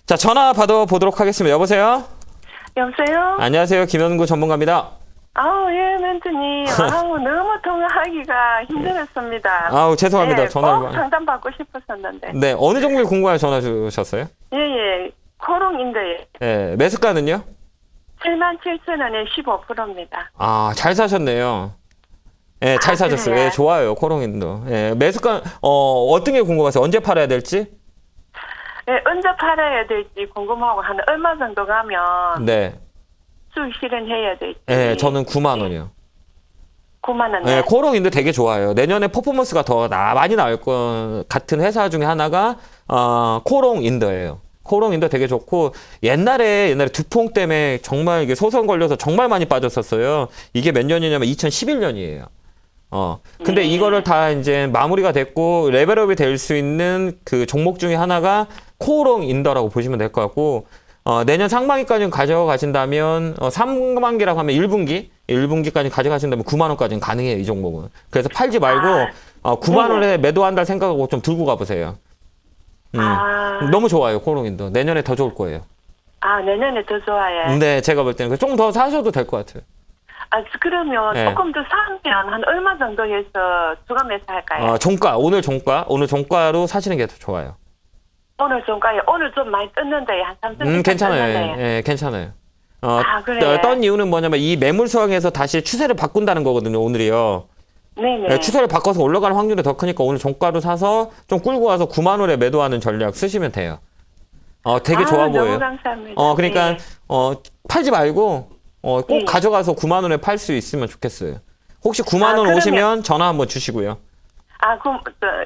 자, 전화 받아보도록 하겠습니다. 여보세요? 여보세요? 안녕하세요. 김현구 전문가입니다. 아우, 예, 멘트님. 아우, 너무 통화하기가 힘들었습니다. 아우, 죄송합니다. 네, 전화를. 꼭 상담 받고 싶었었는데. 네, 어느 종목이 궁금해 전화 주셨어요? 예, 예. 코롱인데 네, 매수가는요? 77,000원에 15%입니다. 아, 잘 사셨네요. 예, 잘 아, 사셨어요. 그래요? 예, 좋아요. 코롱인도. 예, 매수가, 어떤 게 궁금하세요? 언제 팔아야 될지? 예, 언제 팔아야 될지 궁금하고 한 얼마 정도 가면 네. 수익 실현해야 될지. 예, 저는 9만 원이요. 9만 원. 예, 코롱인도 되게 좋아요. 내년에 퍼포먼스가 더 많이 나올 것 같은 회사 중에 하나가, 코롱인더예요. 코롱인더 되게 좋고, 옛날에 두퐁 때문에 정말 이게 소송 걸려서 정말 많이 빠졌었어요. 이게 몇 년이냐면 2011년이에요. 근데 네. 이거를 다 이제 마무리가 됐고, 레벨업이 될 수 있는 그 종목 중에 하나가 코롱인더라고 보시면 될 것 같고, 내년 상반기까지 가져가신다면, 상반기라고 하면 1분기까지 가져가신다면 9만 원까지는 가능해요, 이 종목은. 그래서 팔지 말고, 9만 원에 매도한다 생각하고 좀 들고 가보세요. 너무 좋아요, 코롱인더. 내년에 더 좋을 거예요. 아, 내년에 더 좋아요. 네, 제가 볼 때는 좀 더 사셔도 될 것 같아요. 아, 그러면 네. 조금 더 사면 한 얼마 정도 해서 주간 매수할까요? 오늘 종가로 사시는 게 더 좋아요. 오늘 종가에 오늘 좀 많이 떴는데 한 3천 괜찮아요. 예, 괜찮아요. 그래요? 떤 이유는 뭐냐면 이 매물 수황에서 다시 추세를 바꾼다는 거거든요, 오늘이요. 네네. 예, 추세를 바꿔서 올라가는 확률이 더 크니까 오늘 종가로 사서 좀 끌고 와서 9만 원에 매도하는 전략 쓰시면 돼요. 되게 좋아 보여요. 너무 감사합니다. 그러니까 네. 팔지 말고 꼭 네. 가져가서 9만 원에 팔 수 있으면 좋겠어요. 혹시 9만 원 그러면- 오시면 전화 한번 주시고요. 아, 그럼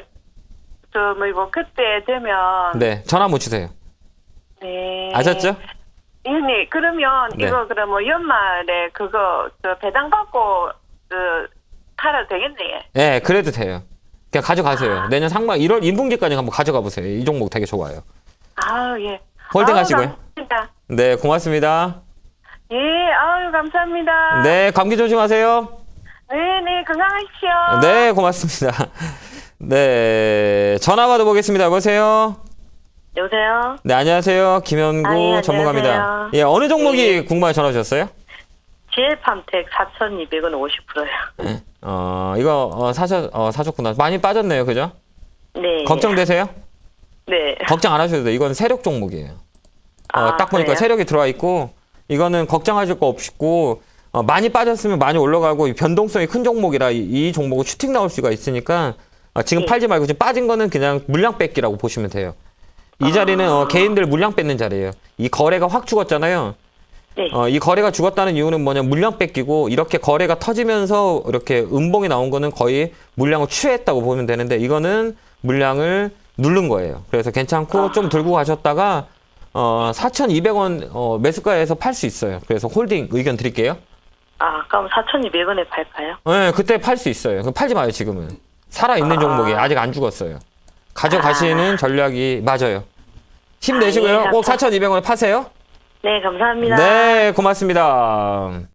그때 되면 네, 전화 한번 주세요. 네. 아셨죠? 네. 그러면 네. 이거 그러면 연말에 그거 배당 받고 팔아도 되겠네. 네, 그래도 돼요. 그냥 가져가세요. 내년 상반 1월 2분기까지 한번 가져가 보세요. 이 종목 되게 좋아요. 아, 예. 홀딩 아유, 하시고요. 감사합니다. 네, 고맙습니다. 예, 아유, 감사합니다. 네, 감기 조심하세요. 네, 건강하십시오. 네, 고맙습니다. 네, 전화 받아보겠습니다. 여보세요? 여보세요? 네, 안녕하세요. 김현구 안녕하세요. 전문가입니다. 예, 어느 종목이 궁금해 전화 주셨어요? GL팜텍 4,200원 50%요. 이거 사셨구나. 많이 빠졌네요. 그죠? 네. 걱정되세요? 네. 걱정 안 하셔도 돼요. 이건 세력 종목이에요. 딱 보니까 그래요? 세력이 들어와 있고, 이거는 걱정하실 거 없고, 많이 빠졌으면 많이 올라가고, 변동성이 큰 종목이라 이 종목은 슈팅 나올 수가 있으니까, 지금 네. 팔지 말고, 지금 빠진 거는 그냥 물량 뺏기라고 보시면 돼요. 이 자리는 개인들 물량 뺏는 자리예요. 이 거래가 확 죽었잖아요. 네. 이 거래가 죽었다는 이유는 뭐냐면 물량 뺏기고, 이렇게 거래가 터지면서 이렇게 음봉이 나온 거는 거의 물량을 취했다고 보면 되는데, 이거는 물량을 누른 거예요. 그래서 괜찮고, 좀 들고 가셨다가, 4,200원 매수가에서 팔 수 있어요. 그래서 홀딩 의견 드릴게요. 그럼 4,200원에 팔까요? 네, 그때 팔 수 있어요. 그럼 팔지 마요, 지금은. 살아있는 종목이 아직 안 죽었어요. 가져가시는 전략이 맞아요. 힘내시고요. 예, 꼭 4,200원에 파세요. 네, 감사합니다. 네, 고맙습니다.